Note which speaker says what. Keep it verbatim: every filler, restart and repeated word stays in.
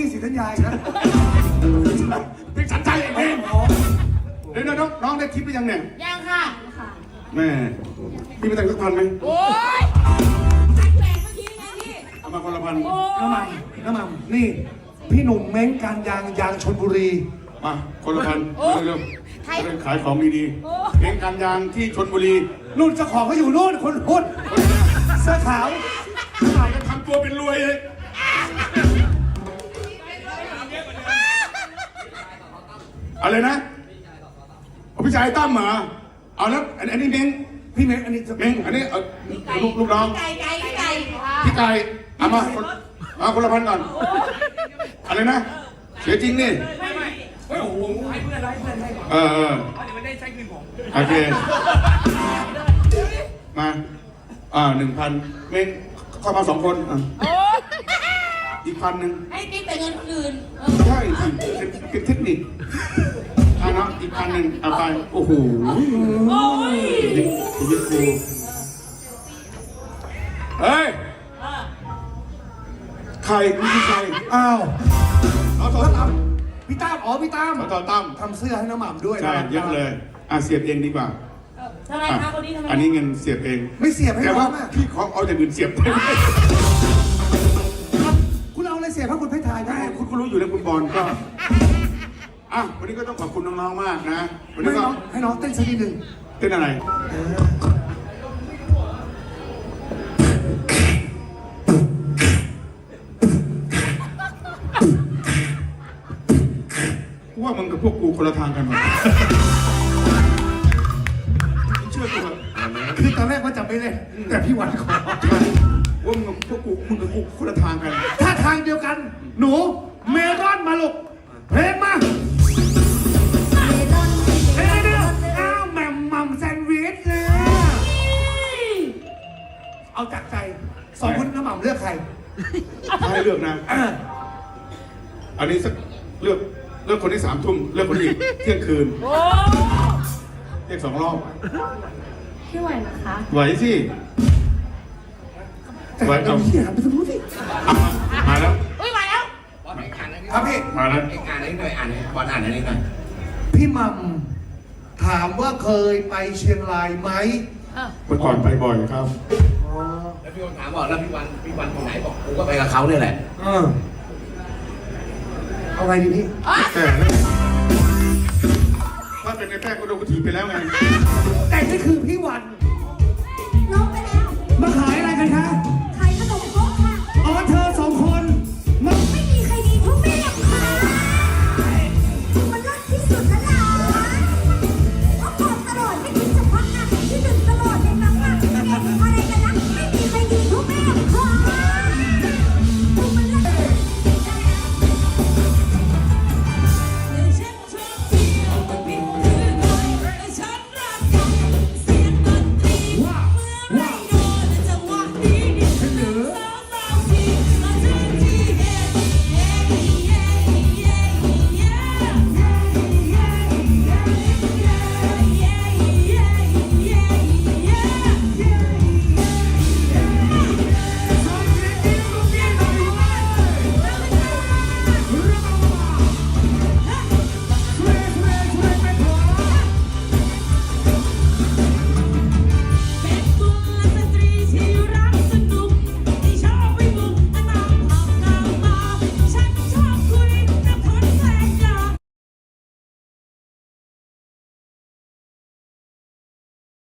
Speaker 1: กี้ศรีธัญญาอีกนะ
Speaker 2: เป็นสัญชัยเองเดี๋ยวน้องน้องได้ทิปหรือยังเนี่ย
Speaker 3: ยังค่ะ
Speaker 2: แม่พี่ไปแต่งสักพันไหม
Speaker 3: โอ้ยแต่งแหวนเมื่อกี้ไงพี่
Speaker 2: เอามาคนละพัน
Speaker 1: น้ำมันน้ำมันนี่พี่หนุ่มเม้งการยางยางชลบุรี
Speaker 2: มาคนละพันเร็วๆจะได้ขายของดีๆเองการยางที่ชลบุรี
Speaker 1: นู่นเจ้าของเขาอยู่นู่นคนพูดเสื้อขาว
Speaker 2: ขายกันทำตัวเป็นรวยเลยอะไรนะพี่ชายตั้มเหรอเอาแล้วอันนี้เม้ง
Speaker 1: พี่เม้งอันนี้
Speaker 2: เม้งอันนี้ลูกลูกน้อง
Speaker 3: ไก่ไก่ไก่
Speaker 2: พี่ไก่เอามาเอาคนละพันก่อนอะไรนะเสียจริงนี่
Speaker 4: ไม่ไม่เฮ้ยผมให้เพื่อนให้เพื่อนให้ก่อน
Speaker 2: เออเออ
Speaker 4: เดี๋ยวมันได้ใช้เงินผม
Speaker 2: โอเคมาอ่าหนึ่งพันเม้งเข้ามาสองคนอ่ะอีกพันหนึ่ง
Speaker 3: ให้ติ๊กแต่เงินคนอื่น
Speaker 2: ใช่เป็นเทคนิคอ่ะเนาะอีกพันหนึ่งเอาไปโอ้โห
Speaker 3: โอ้ย
Speaker 2: ชีวิตกูเฮ้ยใครคุณคือใคร
Speaker 1: อ้าว
Speaker 2: เอาต่อตั้ม
Speaker 1: พี่ตั้มอ๋อพี่ตั้ม
Speaker 2: เอาต่อตั้ม
Speaker 1: ทำเสื้อให้น้ำหม่ำด้วย
Speaker 2: ใช่เยอะเลยอ่ะเสียบเองดีกว่า
Speaker 3: ทำไมคะคนนี้ทำไม
Speaker 2: อันนี้เงินเสียบเอง
Speaker 1: ไม่เสียบให้
Speaker 2: แต่ว่าพี่ขอเอาแต่เงินเสียบได้ไหม
Speaker 1: คุณเอาอะไรเสียบให้คุณเพชรไทยได้
Speaker 2: คุณก็รู้อยู่แล้วคุณบอลก็อ่ะวันนี้ก็ต้องขอบคุณน้องๆมากนะวันนี้ก็
Speaker 1: ให้น้องเต้นสักนิดหนึ่ง
Speaker 2: เต้นอะไรว่ามึงกับพวกกูคนละทางกันหมดเชื่อกูเถอะ
Speaker 1: คือตอนแรกว่าจะไม่เล่นแต่พี่วันขอ
Speaker 2: ว่ามึงกับพวกกูมึงกับกูคนละทางกัน
Speaker 1: ถ้าทางเดียวกันหนูเมรอนมาลูกเพลงมาเฮ้ยเดี๋ยวอ้าวแหม่มมัมแซนด์วิชเลยเอาจากใจสองคนน้ำหม่ำเลือกใคร
Speaker 2: ให้เลือกนะอันนี้สักเลือกเลือกคนที่สามทุ่มเลือกคนที่เที่ยงคืนเรียกสองรอบ
Speaker 3: พี่ไหวนะคะ
Speaker 2: ไหวสิไหวเอา
Speaker 1: พี่หันไปทางนู้นสิ
Speaker 2: มาแล้ว
Speaker 3: อุ้ยมาแล้ว
Speaker 1: ครับพี่
Speaker 2: มาแล้ว
Speaker 4: อ่านนิดหน่อยอ่านบอลอ่านนิดหน่อย
Speaker 1: พี่มัมถามว่าเคยไปเชียงรายไหม
Speaker 2: เมื่อก่อนไปบ่อยครับ
Speaker 4: แล้วพี่วันถามบอกแล้วพี่วันพี่วันคนไหนบอกกูก็ไปกับเขาเนี่ยแหละ
Speaker 1: เอาไงดีพี่
Speaker 2: แต่ถ้าเป็นในแป้งก็โดนกูถีบไปแล้วไง
Speaker 1: แต่นี่คือพี่วัน
Speaker 3: ลงไปแล้ว
Speaker 1: มาขายอะไรกันคะ